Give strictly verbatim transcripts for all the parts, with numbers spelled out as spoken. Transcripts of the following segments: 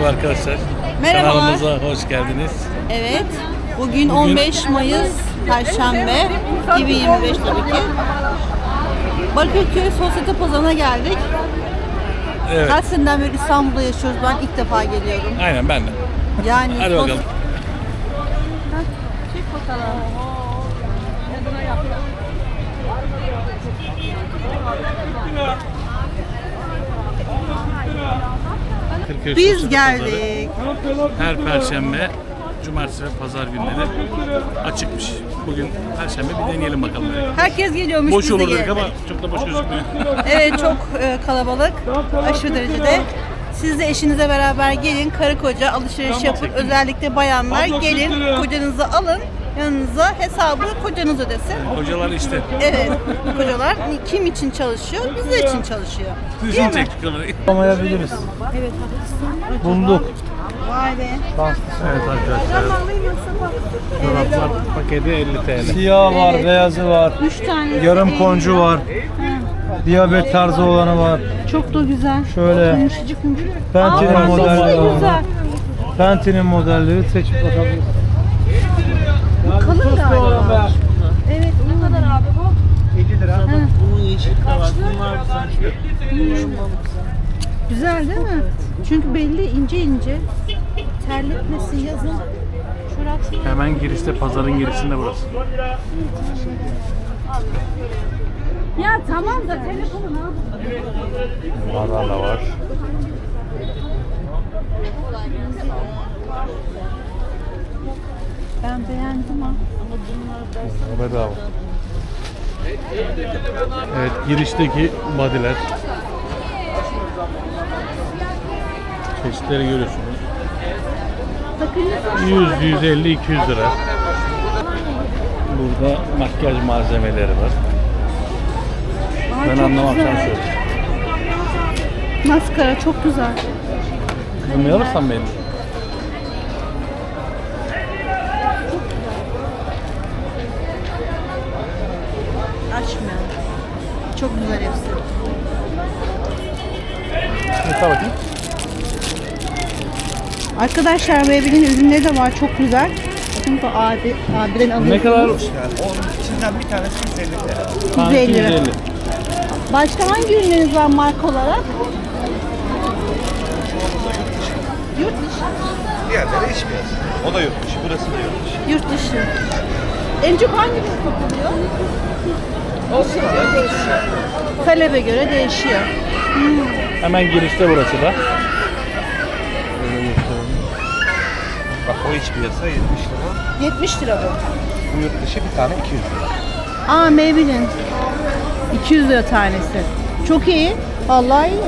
arkadaşlar. Merhabalar. Kanalımıza hoş geldiniz. Evet. Bugün on beş Mayıs Perşembe iki bin yirmi beş tabii ki. Bakırköy Sosyete Pazarı'na geldik. Evet. Kaç seneden beri İstanbul'da yaşıyoruz. Ben ilk defa geliyorum. Aynen ben de. Yani Hadi sos- bakalım. Heh, çek bakalım. Bakırköy Biz Sosyete geldik. Pazarı her perşembe, cumartesi ve pazar günleri açıkmış. Bugün perşembe, bir deneyelim bakalım. Herkes geliyormuş. Boş biz de olur dedik geldik. ama çok da boş gözükmüyor. Evet, çok e, kalabalık. Aşırı derecede. Siz de eşinize beraber gelin, karı koca alışveriş yapın. Özellikle bayanlar gelin, kocanızı alın. Yanınıza hesabı kocanız ödesin. Hocalar işte. Evet, kocalar kim için çalışıyor? Bizler için çalışıyor. Değil Bizim mi? çektik kamerayı. Alamayabiliriz. Evet, haklısın. Bulduk. Vay be. Evet arkadaşlar. Çoraplar paketi elli TL. Siyah var, beyazı var. Üç tane. Yarım koncu var. Diyabet tarzı olanı var. Çok da güzel. Şöyle Yumuşacık yumuşacık. Penti'nin Aa, modelleri çok var. güzel. Penti'nin modelleri seçip bakabiliriz. Kalın galiba. Evet, ne kadar abi bu? elli lira. Bunun yeşil kravat, bunlar Güzel değil mi? Çünkü belli ince ince. Terletmesin yazın. Çorap. Hemen girişte, pazarın girişinde burası. Ya tamam da telefonu ne yapayım? Bunlardan da var. Ben beğendim ha. Bedava. Evet, girişteki bodyler. Çeşitleri görüyorsunuz. yüz, yüz elli, iki yüz lira. Burada makyaj malzemeleri var. Ben anlamam, sen söyle. Maskara çok güzel. Bunu ne alırsan benim. Açmıyor. Çok güzel hepsi. Ne bakayım? Arkadaşlar Baby'nin ürünleri de var, çok güzel. Bakın bu abi, abiden alıyorsunuz. Ne kadar? Yani onun içinden bir tanesi yüz elli lira. Tanesi yüz elli lira. yüz elli. Başka hangi ürünleriniz var marka olarak? Yurt dışı. Diğerleri iç piyasa. O da yurt dışı, burası da yurt dışı. Yurt dışı. En çok hangi ürün satılıyor? Değişiyor. Talebe göre değişiyor. Hemen girişte burası da. Bak o iç piyasa yetmiş lira. yetmiş lira bu. Bu yurt dışı bir tane iki yüz lira. Aa, Maybelline. iki yüz lira tanesi. Çok iyi. Vallahi iyi.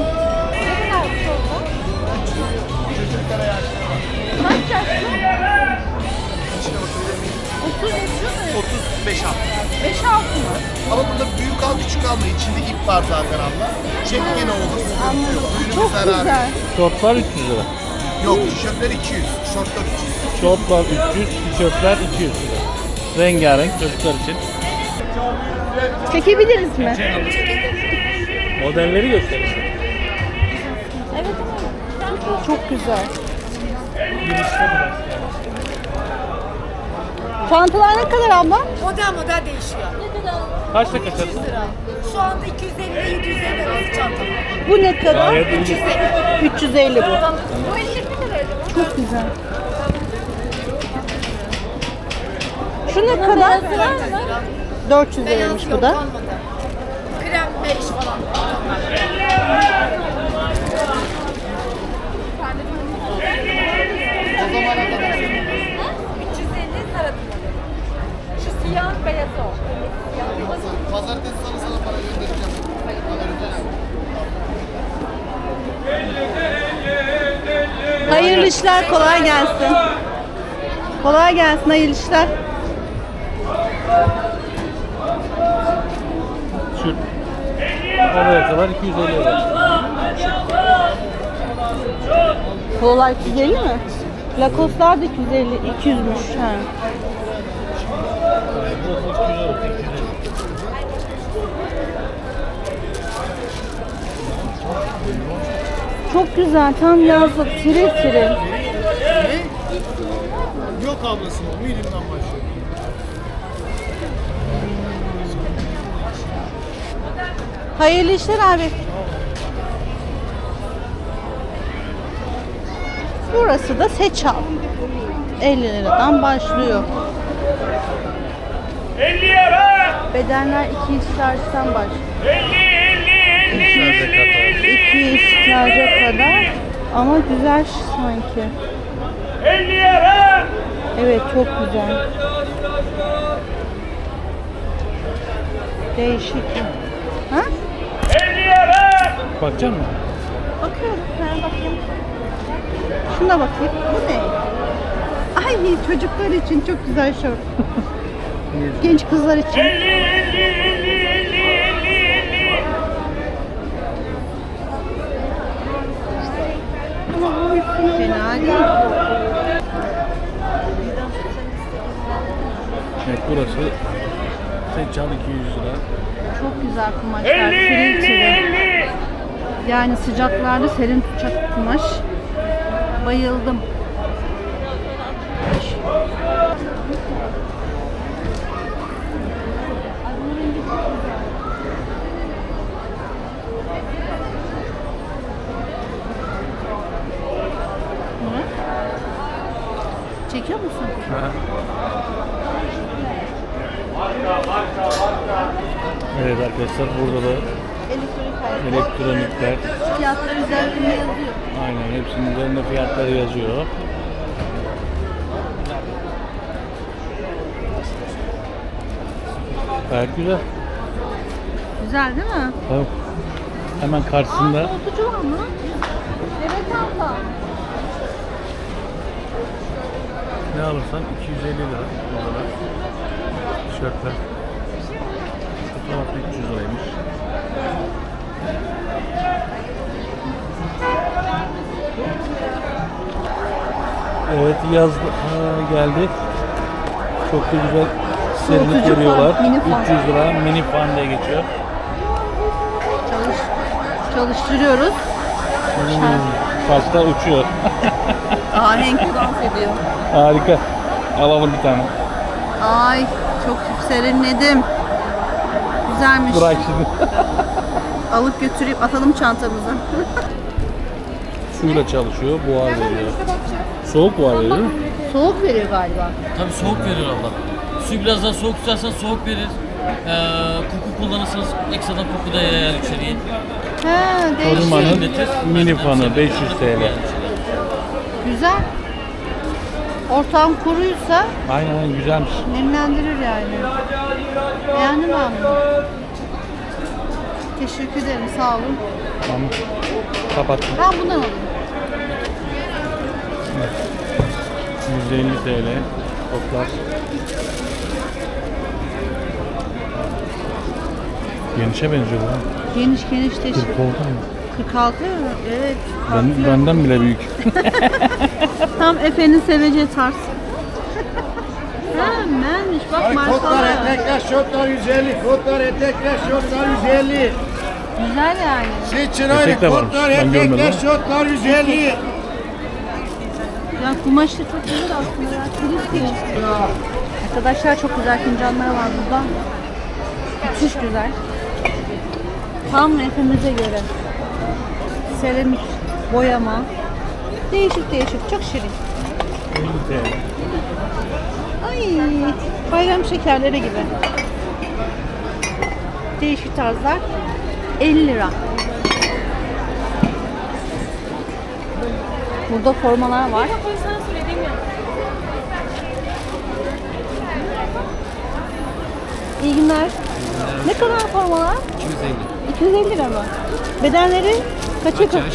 otuz beş al. beş altı mı? Ama burada büyük al küçük alma. İçinde ip var zaten abla. Çek gene olur. Sıkıntı yok. Ürünün Çok zararı güzel. Şortlar üç yüz lira. yok. Tişörtler iki yüz. Şortlar üç yüz. Şortlar üç yüz, tişörtler iki yüz lira. Rengarenk çocuklar için. Çekebiliriz mi? Modelleri gösterin. Evet. Çok güzel. Girişte biraz. Çantalar ne kadar abla? Model model değişiyor. Kaçta kaçarsın? Şu anda iki yüz elli ile yedi yüz elli arası çanta. Bu ne kadar? Gayet iyi. üç yüz elli bu. Bu elli liraydı. Çok güzel. Şu ne kadar? dört yüz liraymış bu da. Kalmadı. Krem beş falan. üç yüz elli sarı. Şu siyah beyaz o. Pazartesi sana sana para göndereceğim. Hayırlı işler, kolay gelsin. Kolay gelsin, hayırlı işler. Şu oraya kadar iki yüz elli lira. Kolay yüz elli mi? Lacoste'lar da iki yüz elli, iki yüzmüş. Ha. Çok güzel. Tam yazlık. Tiril tiril. Yok ablası o. Medium'dan başlıyor. Hayırlı işler abi. Burası da Seçal. elli liradan başlıyor. elli lira. Bedenler iki yüz çarşıdan başlıyor. elli elli elli elli iki yüz çarşıya kadar. Ama güzel sanki. elli lira. Evet, çok güzel. Değişik. Ha? elli lira. Bakacak mısın? Bakıyorum. Ben bakayım. Şuna bakayım. Bu ne? Ay, çocuklar için çok güzel şort. Genç kızlar için. elli elli elli elli elli elli. Fena değil. Evet, burası Seçal iki yüz lira. Çok güzel kumaşlar. elli Tiril elli tiril. elli. Yani sıcaklarda serin tutacak kumaş. Bayıldım. Hı? Çekiyor musun? Evet arkadaşlar, burada da Elektronik alet. elektronikler, Fiyatlar üzerinde yazıyor. aynen hepsinin üzerinde fiyatları yazıyor. Gayet güzel. Güzel değil mi? Tabii. Hemen karşısında Aa, soğutucu var mı? Evet abla. ne alırsan iki yüz elli lira. Burada tişörtler. Fotoğrafı üç yüz liraymış. Evet, yaz ha, geldi. Çok da güzel serinlik Soğutucu veriyorlar. fan, mini fan. üç yüz lira mini fan diye geçiyor. Çalış, çalıştırıyoruz. Hmm, Saçlar uçuyor. Ahenk dans ediyor. Harika. Alalım bir tane. Ay, çok serinledim. Güzelmiş. Bırak şimdi. Alıp götürüp atalım çantamıza. Suyla çalışıyor. Buhar veriyor. Soğuk buhar veriyor değil mi? Soğuk veriyor galiba. Tabii soğuk verir abla. Suyu biraz daha soğuk tutarsan soğuk verir. Ee, koku kullanırsanız ekstradan koku da yayar içeriye. He, değişik. Korumanın Serinletir. mini fanı beş yüz TL. Güzel. Ortam kuruysa Aynen aynen, güzelmiş. nemlendirir yani. Beğendim ben bunu. Teşekkür ederim, sağ olun. Tamam. Kapattım. Ben bundan alayım. yüz elli TL. Toplar. Genişe benziyor bu. ha. Geniş geniş teşekkür. kırk oldu mu? kırk altı mı? Evet. Ben, farklı. benden bile büyük. Tam Efe'nin seveceği tarz. Hemenmiş bak markalar. etekler, şortlar yüz elli. Kotlar, etekler, şortlar yüz elli. Güzel yani. Seçin Etek de varmış, ben görmedim. şortlar yüz elli. Ya kumaşı çok güzel aslında ya. Tiril tiril. Arkadaşlar çok güzel fincanlar var burada. Müthiş güzel. Tam Efe'mize göre. Seramik, boyama. Değişik değişik. Çok şirin. elli TL. Ay, bayram şekerleri gibi. Değişik tarzlar. elli lira. Burada formalar var. İyi günler. Ne kadar formalar? iki yüz elli. iki yüz elli lira mı? Bedenleri kaça kaç? Yaş?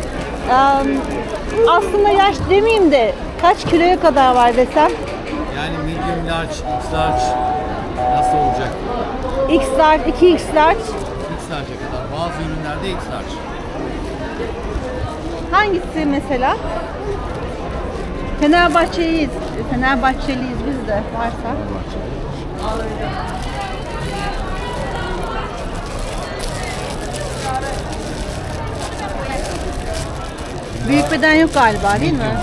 Aslında yaş demeyeyim de kaç kiloya kadar var desem? Yani medium large, X large nasıl olacak? X large, iki X large. X large'a kadar. Bazı ürünlerde X large. Hangisi mesela? Fenerbahçeliyiz. Fenerbahçeliyiz biz de varsa. Büyük beden yok galiba değil mi?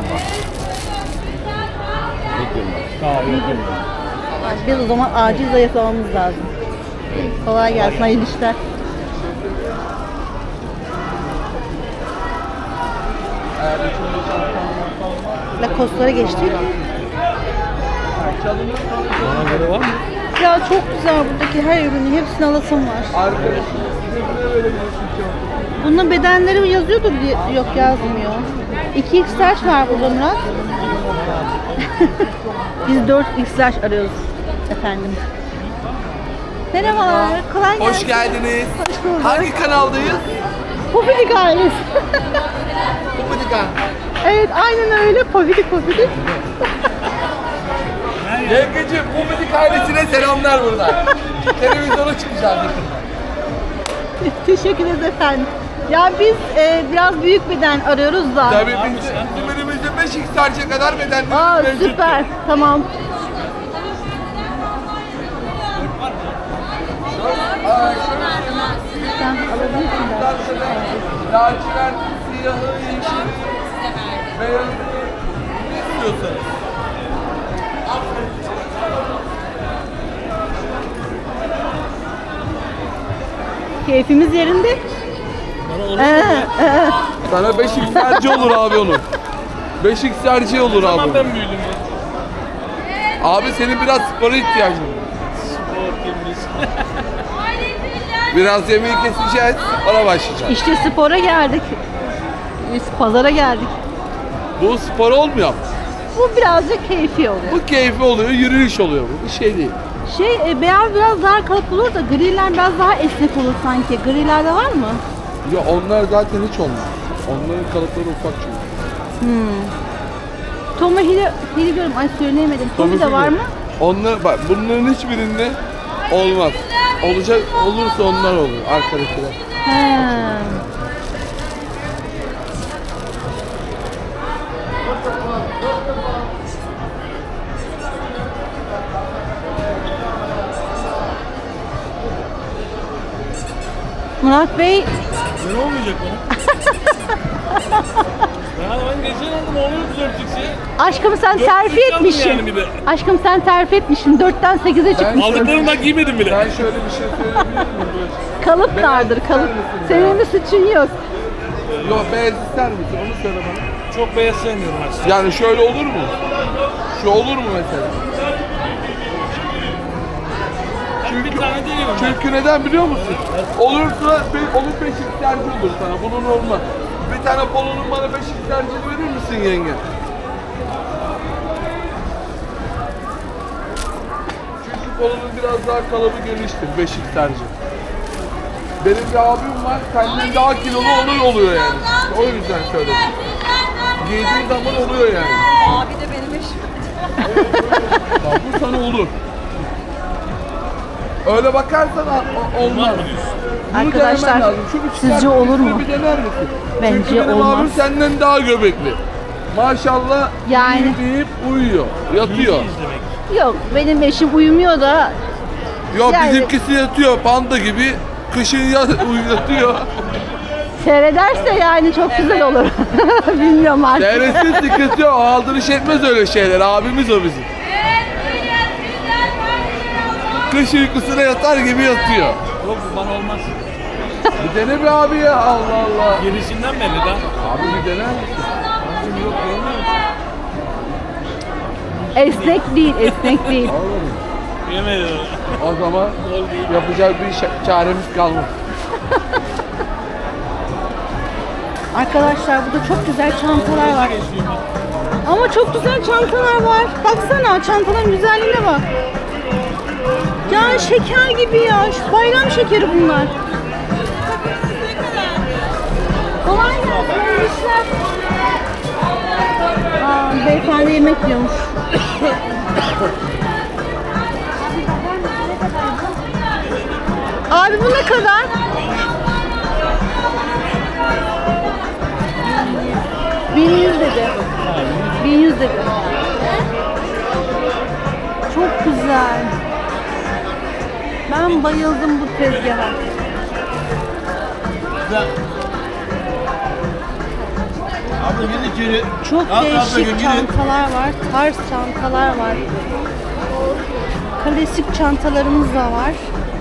Biz o zaman acil zayıflamamız lazım. Kolay gelsin, hayırlı işler. Lacoste'lara geçtik. Bana göre var mı? Ya çok güzel buradaki her ürünü, hepsini alasım var. Bunun bedenleri yazıyordur diye, yok yazmıyor. iki X large var burada Murat. Biz dört X large arıyoruz efendim. Merhabalar, kolay gelsin. Hoş geldiniz. Hoş bulduk. Hangi kanaldayız? Pofidik ailesi. Kupadika. Evet, aynen öyle. Pofidik pofidik. Yengeciğim, Kupadik ailesine selamlar buradan. Televizyona çıkacağız yakında. Teşekkür ederiz efendim. Ya biz e, biraz büyük beden arıyoruz da. Tabii biz simerimizde beş X large'a kadar Aa bedenlerimiz mevcut. süper. Tamam. Sen alabilirsin de. Lacivert, siyahı, yeşil, beyaz. Ne istiyorsanız. Keyfimiz yerinde. Ee, ee. Sana beş X large olur abi onun. beş X large olur abi. Ben büyüdüm ya. Abi senin biraz spora ihtiyacın var. Spor kimmiş? Biraz yemeği keseceğiz, spora başlayacağız. İşte spora geldik. Biz pazara geldik. Bu spor olmuyor. Bu birazcık keyfi oluyor. Bu keyfi oluyor, yürüyüş oluyor bu. Bir şey değil. Şey e, beyaz biraz daha kalıp olur da griler biraz daha esnek olur sanki. Grilerde var mı? Ya onlar zaten hiç olmaz. Onların kalıpları ufak çünkü. Hmm. Tommy Hil'i Hil'i görüyorum. Ay söyleyemedim. Tommy de var mı? Onlar bak bunların hiçbirinde olmaz. Olacak olursa onlar olur arkadakiler. He. Murat Bey Ne olmayacak bana? Ya ben geçen aldım oluyor dört X'i. aşkım sen Dört terfi X aldım etmişsin. yani bir de. Aşkım sen terfi etmişsin. dörtten sekize çıkmışsın. Aldıklarımı da giymedim bile. Ben şöyle bir şey söyleyebilir miyim? Böyle? Kalıp dardır kalıp. ister misin Senin bir suçun yok. Yok beyaz ister misin? Onu söyle bana. Çok beyaz sevmiyorum aslında. Yani şöyle olur mu? Şu olur mu mesela? Bir tane değilim. Çünkü neden biliyor musun? Olursa be- onun beş X large olur sana. Bunun olmaz. Bir tane polonun bana beş X large'ını verir misin yenge? Çünkü polonun biraz daha kalıbı geniştir beş X large. Benim bir abim var, senden daha kilolu olur oluyor yani. O yüzden söyledim. Giydiği zaman oluyor yani. Abi de benim eşim. Bak bu sana olur. Öyle bakarsan a- a- olmaz. Bunu Arkadaşlar, denemen lazım. Şu üç sizce tane olur mu? Bir dener misin? Bence Çünkü benim olmaz. abim senden daha göbekli. Maşallah Yani. iyi deyip uyuyor, yatıyor. Yok benim eşim uyumuyor da Yok Yani- bizimkisi yatıyor panda gibi. Kışın ya- uyuyor. seyrederse yani çok güzel olur. Bilmiyorum artık. Devretsiz sıkıntı yok. Aldırış etmez öyle şeyler. Abimiz o bizim. Kış uykusuna yatar gibi yatıyor. Yok bu bana olmaz. Bir dene be abi ya. Allah Allah. Gelişinden belli daha. Abi bir dener misin? Abim yok görmüyor musun? Esnek değil, esnek değil. Oğlum, Yemedim. o zaman yapacak bir şa- çaremiz kalmadı. Arkadaşlar burada çok güzel çantalar var. Ama çok güzel çantalar var. Baksana çantaların güzelliğine bak. Ya şeker gibi ya. Şu bayram şekeri bunlar. Kolay gelsin. iyi işler. Aa, beyefendi yemek yiyormuş. Abi bu ne kadar? bin yüz dedi. bin yüz dedi. Çok güzel. Ben bayıldım bu tezgaha. Çok değişik çantalar var. Tarz çantalar var. Klasik çantalarımız da var.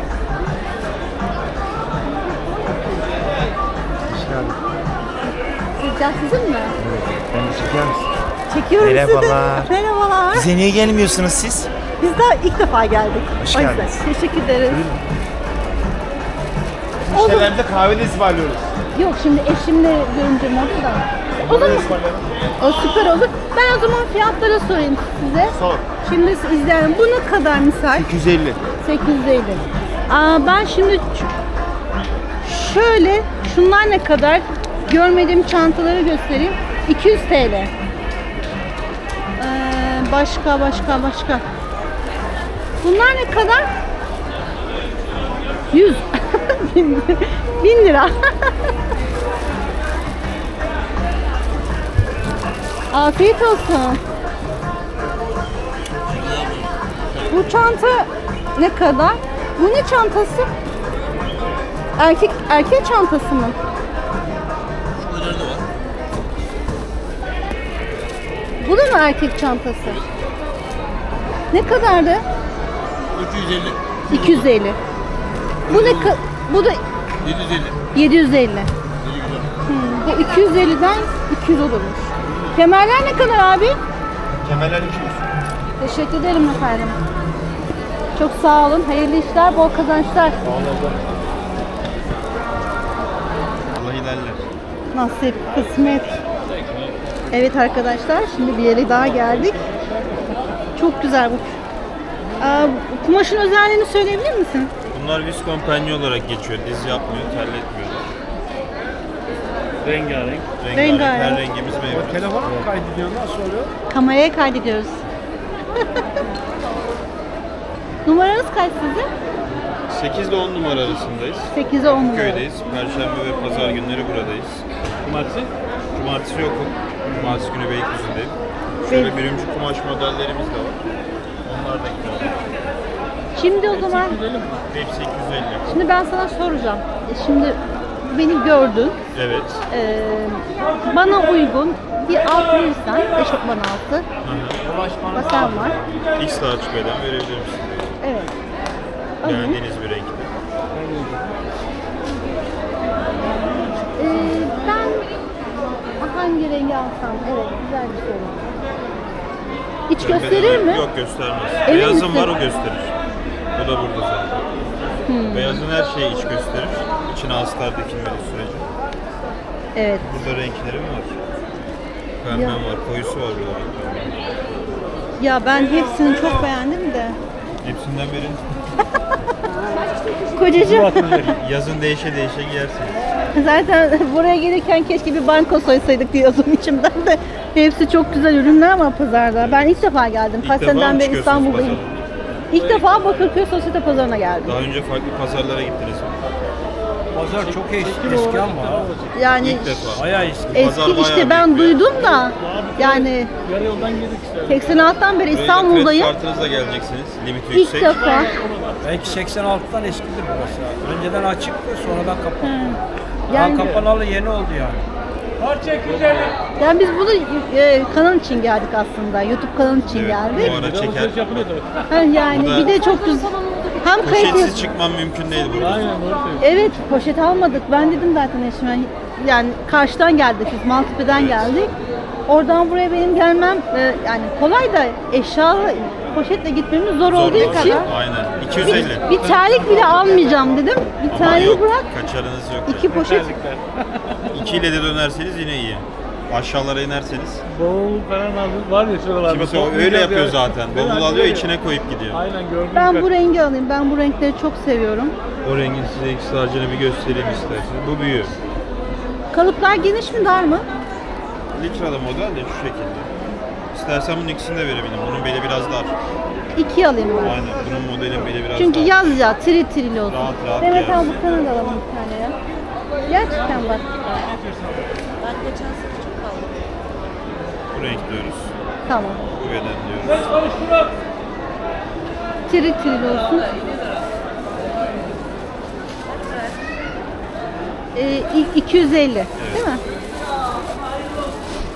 Sıcak sizin mi? Ben çeker misin? Çekiyorum Merhabalar. sizi. Merhabalar. Bize niye gelmiyorsunuz siz? Biz daha ilk defa geldik. Hoş O yüzden geldiniz. Teşekkür ederiz. Müşterilerimize kahve de ısmarlıyoruz. Yok şimdi eşimle görünce modu da. O zaman o süper olur. Ben o zaman fiyatları sorayım size. Sor. Şimdi siz izleyelim. Bu ne kadar misal? iki yüz elli. sekiz yüz elli. Aa, ben şimdi ç- şöyle şunlar ne kadar? Görmediğim çantaları göstereyim. iki yüz TL. Ee, başka başka başka. Bunlar ne kadar? yüz. bin lira. Afiyet olsun. Bu çanta ne kadar? Bu ne çantası? Erkek erkek çantası mı? Bu da mı erkek çantası? Ne kadardı? üç yüz elli. iki yüz elli. Bu ne ka- bu da yedi yüz elli. yedi yüz elli. Hmm, bu iki yüz elliden iki yüz olurmuş. Kemerler ne kadar abi? Kemerler iki yüz. Teşekkür ederim efendim. Çok sağ olun. Hayırlı işler, bol kazançlar. Allah ilerler. Nasip, kısmet. Evet arkadaşlar, şimdi bir yere daha geldik. Çok güzel bu. Aa, kumaşın özelliğini söyleyebilir misin? Bunlar viskompanya olarak geçiyor. Diz yapmıyor, terletmiyorlar. Rengarenk. Rengarenk. Rengarenk. Her rengimiz mevcut. Telefona mı kaydediyorsun? Nasıl oluyor? Kameraya kaydediyoruz. Numaranız kaç sizin? sekiz ile on numara arasındayız. sekize on numara. Köydeyiz. Perşembe ve pazar günleri buradayız. Cumartesi. Cumartesi yokum. Cumartesi günü Beylikdüzü'ndeyim. Şöyle birinci kumaş modellerimiz de var. Onlar da güzel. Şimdi o zaman, Hepsi iki yüz elli. şimdi ben sana soracağım. E, Şimdi beni gördün. Evet. Ee, bana uygun bir alt verirsen, eşofman altı. Basen var. X large beden verebilir misin? Evet. Alayım. Beğendiğiniz bir renkte. Ee, ben hangi rengi alsam? Evet, güzel bir soru. İç gösterir mi? Yok, göstermez. Emin Beyazın misin? var, o gösterir. Bu da burada zaten. Hmm. Beyazın her şeyi iç gösterir. İçine astar dikilmediği sürece. Evet. Burada renklerim var. Pembem Ya. var, koyusu var burada. Ya ben hepsini çok beğendim de. Hepsinden beri Kocacığım, yazın değişe değişe giyersiniz. zaten buraya gelirken keşke bir banko soysaydık diyordum içimden de. Hepsi çok güzel ürünler var pazarda. Ben ilk defa geldim. İlk Kaç defa seneden mı beri çıkıyorsunuz İstanbul'dayım. pazara? İlk defa Bakırköy Sosyete Pazarı'na geldim. Daha önce farklı pazarlara gittiniz mi? Pazar çok eski, eski ama. Yani İlk defa. Bayağı eski. eski Pazar işte bayağı ben büyük bir- duydum da yani Yarı yoldan girdik işte. seksen altıdan beri Buraya İstanbul'dayım. kredi kartınızla geleceksiniz. Limiti İlk yüksek. defa. Belki seksen altıdan eskidir burası. Önceden açıktı, sonradan kapandı. Yani, Daha kapanalı yeni oldu yani. Parça iki yüz elli. yani biz bunu e, kanal için geldik aslında. YouTube kanalı için Evet, geldik. bu ara çeker. Alışveriş yapılıyordu. Ha, yani Bu da- bir de çok güzel. Hem kayıt Poşetsiz çıkmam mümkün değil burada. Aynen doğru söylüyorsun. Evet, poşet almadık. Ben dedim zaten eşime. Yani karşıdan geldik biz, Maltepe'den geldik. Oradan buraya benim gelmem e, yani kolay da eşya poşetle gitmemiz zor, Zor olduğu değil. için Aynen. iki yüz elli. bir, bir terlik bile almayacağım dedim. Bir Ama terliği yok, bırak. kaçarınız yok. İki poşet. İki ile de dönerseniz yine iyi. Aşağılara inerseniz. Bavul falan aldı. Var ya şuralarda. Kimisi o Toplayacağız öyle yapıyor ya. zaten. Değil mi? Bavul Hani alıyor, böyle- içine koyup gidiyor. Aynen gördüm. Ben bu rengi alayım. Ben bu renkleri çok seviyorum. O rengin size X large'ını bir göstereyim isterseniz. Bu büyüğü. Kalıplar geniş mi, dar mı? Litra'da model de şu şekilde. İstersen bunun ikisini de verebilirim. Bunun beli biraz dar. İki alayım ben. Aynen. Bunun modelin beli biraz Çünkü dar. yaz ya, tril tril olsun. Rahat rahat Evet giyersin. abi, bu sana da alalım bir tane ya. Gerçekten bak. Ben geçen sene çok aldım. Bu renk diyoruz. Tamam. Bu beden diyoruz. Tril tril olsun. Ee, i- iki yüz elli değil mi?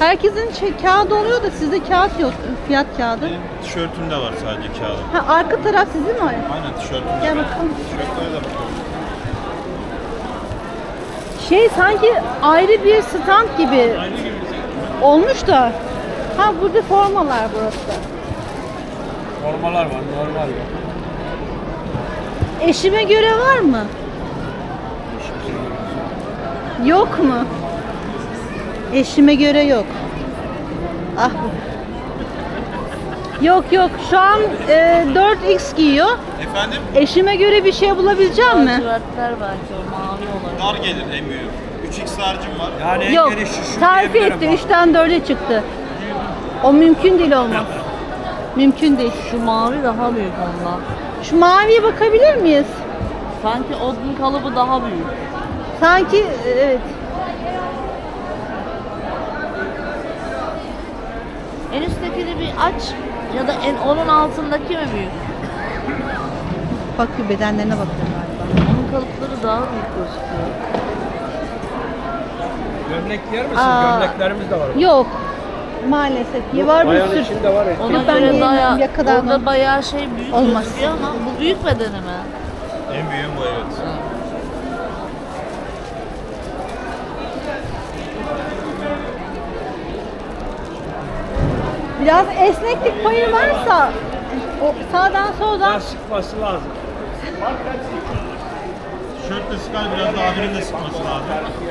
Herkesin şey, kağıdı oluyor da sizde kağıt yok. Fiyat kağıdı. Benim tişörtümde var sadece kağıdım. Ha, arka taraf sizin mi? Aynen tişörtümde. Gel bakalım. Tişörtlere de bakalım. Şey sanki ayrı bir stand gibi olmuş da. Ha burada formalar burası. Formalar var, normal var. Eşime göre var mı? Yok mu? Eşime göre yok. Ah. Yok yok şu an e, dört x giyiyor. Efendim? Eşime göre bir şey bulabilecek mi? Lacivertler belki o mavi olan. Dar gelir en büyük. üç x harcım var. Yani en Yok. geniş şu, şu Tarifi diyebilirim etti. bak. üçten dörde çıktı. O mümkün değil olmaz. Mümkün değil. Şu mavi daha büyük ondan. Şu maviye bakabilir miyiz? Sanki onun kalıbı daha büyük. Sanki evet. En üsttekini bir aç ya da en onun altındaki mi büyük? Bakıyor bedenlerine bakıyor galiba. Onun kalıpları daha büyük gözüküyor. Gömlek yer misin? Aa. Gömleklerimiz de var. Yok. Maalesef. Var bir Bayan sürü. içinde var. Ona Yok, ben göre yiyemem, bayağı, yakadan orada al. bayağı şey büyük Olmaz. gözüküyor ama bu büyük bedeni mi? En büyüğüm bu, evet. Biraz esneklik payı varsa o sağdan soldan Biraz sıkması lazım. Tişörtle sıkar, biraz da abinin de sıkması lazım.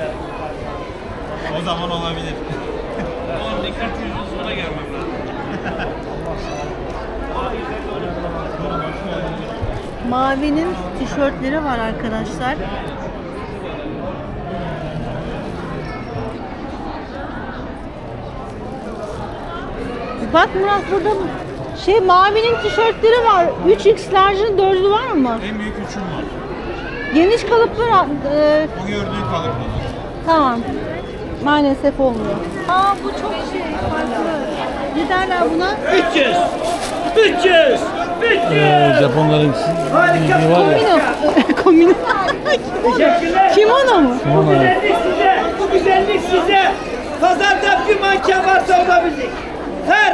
O zaman olabilir. Oğlum dikkat yüzün sonra gelmem lazım. mavinin tişörtleri var arkadaşlar. Bak Murat burada şey mavinin tişörtleri var. üç x large'ın dördü var mı? En büyük üçüm var. Geniş kalıplar e, O gördüğün kalıplar. tamam. Maalesef olmuyor. Aa bu çok şey farklı. Ne derler buna? üç yüz. üç yüz. üç Ee, yüz. Japonların bildiği var ya. Komino. Komino. Teşekkürler. Kimono mu? Bu güzellik size. Bu güzellik size. Pazarda bir manken varsa o da bizim. Her.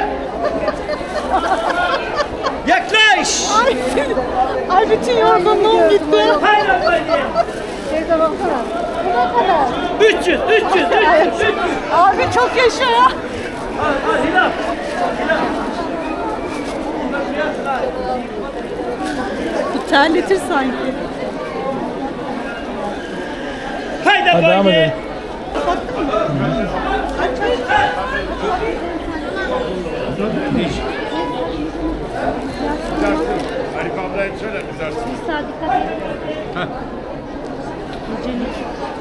Yaklaş. Ay, ay bütün yorgunluğum gitti. Hayır efendim. Şeyde baksana. Bu ne kadar? üç yüz. üç yüz. üç yüz. Abi çok yaşa ya. Al al Hilal. Bu terletir sanki. Haydi Hadi devam efendim. edelim. Arif ablaya söyle, güzelsin. Bir saat dikkat edin.